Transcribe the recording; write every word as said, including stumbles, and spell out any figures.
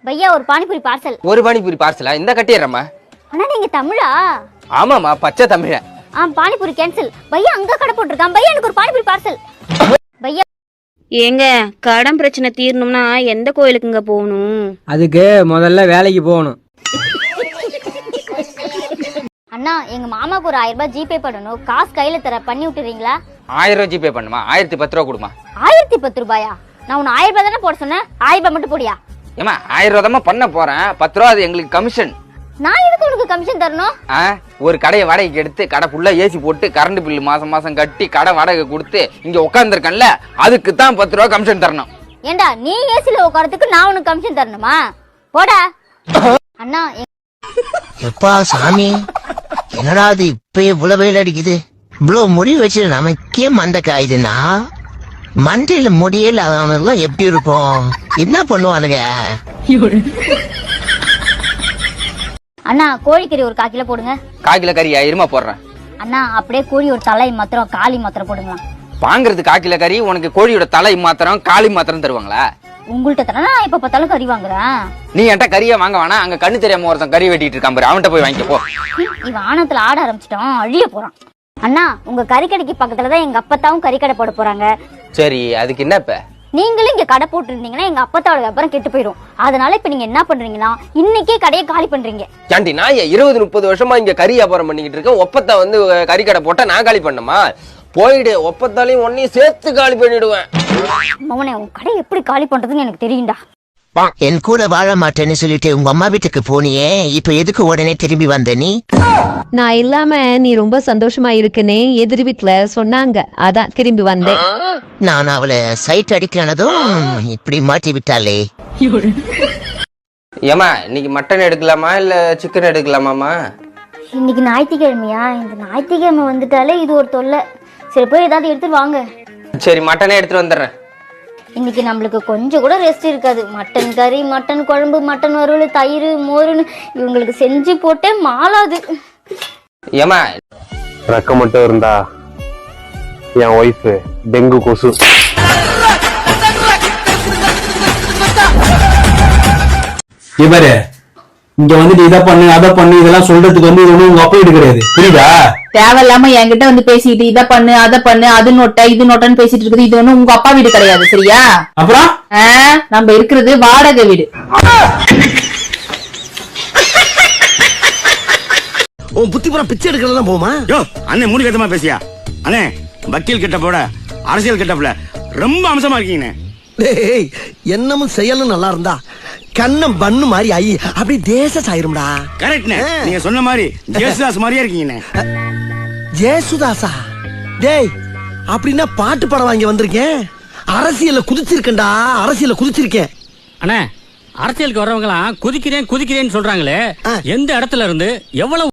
பையா ஒரு பானிபூரி பார்சல். ஒரு பானிபூரி பார்சலா? இந்த கட்டிடுறேம்மா. அண்ணா நீங்க தமிழா? ஆமாம்மா, பச்சை தமிழ. ஆ பானிபூரி கேன்சல். பையா அங்க கடை போட்டுருக்கான். பையா எனக்கு ஒரு பானிபூரி பார்சல். பையா ஏங்க கடன் பிரச்சனை தீரணும்னா எந்த கோயிலுக்குங்க போகணும்? அதுக்கு முதல்ல வேலைக்கு போகணும். அண்ணா எங்க மாமாக்கு ஒரு ஆயிரம் ரூபாய் ஜிபே பண்ணணும். காசு கையில தர, பண்ணி விட்டுறீங்களா? ஆயிரம் ரூபாய் ஜிபே பண்ணுமா? ஆயிரத்தி பத்து ரூபா கொடுமா. ஆயிரத்தி பத்து ரூபாயா? நான் உன்னை ஆயிரம் ரூபாய் தானே போட சொன்னேன். ஆயிரம் ரூபாய் மட்டும் போடியா? ஏமா ஆயிரம் ரூபா தான் பண்ண போறேன். பத்து ரூபா அது எங்களுக்கு கமிஷன். நான் எதுக்கு உனக்கு கமிஷன் தரணும்? ஒரு கடையை வாடகைக்கு எடுத்து கடை ஃபுல்லா ஏசி போட்டு கரண்ட் பில்லு மாசம் மாசம் கட்டி கடை வாடகை கொடுத்து இங்க உட்காந்துருக்கேன்ல, அதுக்கு தான் பத்து ரூபா கமிஷன் தரணும். ஏண்டா நீ ஏசில உட்காரத்துக்கு நான் உனக்கு கமிஷன் தரணுமா? போடா. அண்ணா எப்பா சாமி, என்னடா அது இப்ப இவ்வளவு வெயில் அடிக்குது? இவ்வளவு முடி வச்சு நமக்கே மந்த காயுதுன்னா மண்டையில முடியல அவனுலாம் எப்படி இருக்கும்? என்ன பண்ணுவானுங்க? அண்ணா கோழிக்கறி ஒரு கால் கிலோ போடுங்க. கால் கிலோ கறி ஆயிரமா போடுறேன். அண்ணா அப்படியே கோழி ஒரு தலை மாத்திரம் காலி மாத்திரம் போடுங்களா. வாங்குறது கால் கிலோ கறி, உனக்கு கோழியோட தலை மாத்திரம் காலி மாத்திரம் தருவாங்களா? உங்கள்கிட்ட தானே நான் இப்ப பார்த்தாலும் கறி வாங்குறேன். நீ என்கிட்ட கறியை வாங்க வேணா, அங்க கண்ணு தெரியாம ஒருத்தன் கறி வெட்டிட்டு இருக்கான் பாரு, அவன்கிட்ட போய் வாங்கிக்க போ. இவன் ஆணத்துல ஆட ஆரம்பிச்சிட்டான், அழிய போறான். அண்ணா உங்க கறிக்கடைக்கு பக்கத்துலதான் எங்க அப்பத்தாவும் கறிக்கடை போட போறாங்க. சரி, அதுக்கு என்ன இப்ப? நீங்களும் இங்க கடை போட்டு இருந்தீங்கன்னா எங்க அப்பத்தாவோட வியாபாரம் கெட்டு போயிடும். அதனால இப்ப நீங்க என்ன பண்றீங்கன்னா இன்னைக்கே கடையை காலி பண்றீங்க. ஏன்டி நான் இருபது முப்பது வருஷமா இங்க கறி வியாபாரம் பண்ணிக்கிட்டு இருக்கேன். ஒப்பத்தா வந்து கறி கடை போட்டா நான் காலி பண்ணுமா? போயிடு, ஒப்பத்தாலையும் ஒன்னையும் சேர்த்து காலி பண்ணிடுவேன். மவனே உன் கடை எப்படி காலி பண்றதுன்னு எனக்கு தெரியும்டா. என் கூட வாழ மாட்டேன்னு சொல்லிட்டு உங்க அம்மா வீட்டுக்கு போனியே, இப்ப எதுக்கு உடனே திரும்பி வந்த நீ? நான் இல்லாம நீ ரொம்ப சந்தோஷமா இருக்குன்னு எதிர் வீட்டுல சொன்னாங்க, அதான் திரும்பி வந்தேன். நான் அவளை சைட் அடிக்கிறனதும் இப்படி மாட்டி விட்டாளே. ஏமா இன்னைக்கு மட்டன் எடுக்கலாமா இல்ல சிக்கன் எடுக்கலாமாமா? இன்னைக்கு ஞாயிற்றுக்கிழமையா? இந்த ஞாயிற்றுக்கிழமை வந்துட்டாலே இது ஒரு தொல்லை. சரி போய் ஏதாவது எடுத்துட்டு வாங்க. சரி மட்டனே எடுத்துட்டு வந்துடுறேன். இன்னைக்கு நம்மளுக்கு கொஞ்சம் கூட ரெஸ்ட் இருக்காது. மட்டன் கறி, மட்டன் குழம்பு, மட்டன் வறுவல், தயிர், மோருன்னு இவங்களுக்கு செஞ்சு போட்டே மாளாது. ஏமா ரெக்க மட்டும் இருந்தா என் ஒய்ஃப் டெங்கு கொசு. இவரு இங்க வந்துட்டு இதை பண்ணு அதை பண்ணு இதெல்லாம் சொல்றதுக்கு வந்து இது ஒண்ணு உங்க அப்பா வீடு கிடையாது, புரியுதா? தேவையில்லாம என்கிட்ட வந்து பேசிட்டு இதை பண்ணு அதை பண்ணு அது நோட்ட இது நோட்டன்னு பேசிட்டு இருக்குது. இது ஒண்ணு உங்க அப்பா வீடு கிடையாது, சரியா? அப்புறம் நம்ம இருக்கிறது வாடகை வீடு. உன் புத்தி புறம் பிச்சை எடுக்கிறதா போமா? யோ அண்ணே மூணு கட்டமா பேசியா? அண்ணே வக்கீல் கிட்ட போட அரசியல் கிட்டப்ல ரொம்ப அம்சமா இருக்கீங்க. டேய், என்னமும் செயலும் நல்லா இருந்தா கண்ணம் பண்ணு மாதிரி ஐ அப்படி தேச சாயிரும்டா. கரெக்ட்னே, நீங்க சொன்ன மாதிரி ஜேசுதாஸ் மாதிரியே இருக்கீங்கண்ணே. ஜேசுதாசா? டேய் அப்படின்னா பாட்டு படம் வாங்கி வந்திருக்கேன். அரசியல்ல குதிச்சிருக்கேன்டா, அரசியல்ல குதிச்சிருக்கேன். அண்ணே அரசியலுக்கு வர்றவங்க எல்லாம் குதிக்கிறேன் குதிக்கிறேன்னு சொல்றாங்களே, எந்த இடத்துல இருந்து எவ்வளவு